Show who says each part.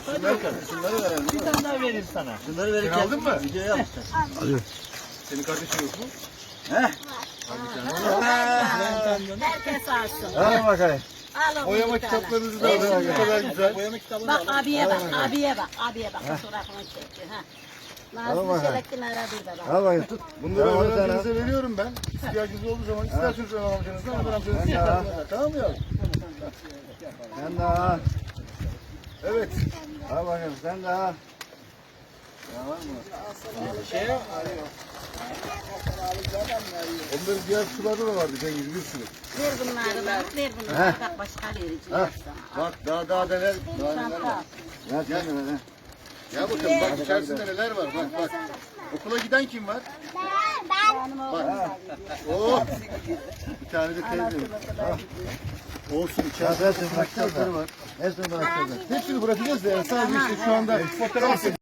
Speaker 1: Şunları verelim.
Speaker 2: Bir tane daha vereyim sana.
Speaker 1: Şunları verirken
Speaker 3: Sen aldın mı?
Speaker 1: Videoya almışlar.
Speaker 4: Alıyorum.
Speaker 3: Senin kardeşin yok mu?
Speaker 5: Herkes alsın.
Speaker 4: Hadi bakalım.
Speaker 5: Alın
Speaker 3: Boyama
Speaker 5: bir tane.
Speaker 3: kitaplarınızı da alın. Ne kadar güzel.
Speaker 1: Boyama kitabını
Speaker 5: Bak
Speaker 1: da
Speaker 5: abiye bak, abiye bak, abiye bak. Fotoğrafını çekti. Ha. Nazlı Çelek'in aradığı da bak.
Speaker 4: Al bakayım tut.
Speaker 3: Bunları
Speaker 4: Tamam,
Speaker 3: öğrencinize veriyorum ben. İhtiyacınız olduğu zaman isterseniz öğren amcanızdan, öğren amcanızdan isterseniz. Tamam mı yavrum?
Speaker 4: Sen de al.
Speaker 3: Evet.
Speaker 4: Al bakayım sen de al.
Speaker 3: Onların diğer kutularda da vardı Cengiz, bir sürü.
Speaker 5: Ver bunları bak, ver bunları. Bak başka verici sana.
Speaker 3: Bak daha neler var.
Speaker 5: Çanta.
Speaker 4: Ver sen de ver.
Speaker 3: Ya bakın bak içerisinde neler var. Bak. Okula giden kim var?
Speaker 5: Benim oğlum da gidiyor.
Speaker 3: Oh. Bir tane de teyze. Olsun
Speaker 4: Ya
Speaker 3: içerisinde
Speaker 4: hepsini
Speaker 3: okuma
Speaker 4: bırakacağız
Speaker 3: kitapları
Speaker 4: da.
Speaker 3: var.
Speaker 4: Hepsini bırakacağız da.
Speaker 3: Hepsini bırakacağız da yani sadece işte şu anda fotoğraf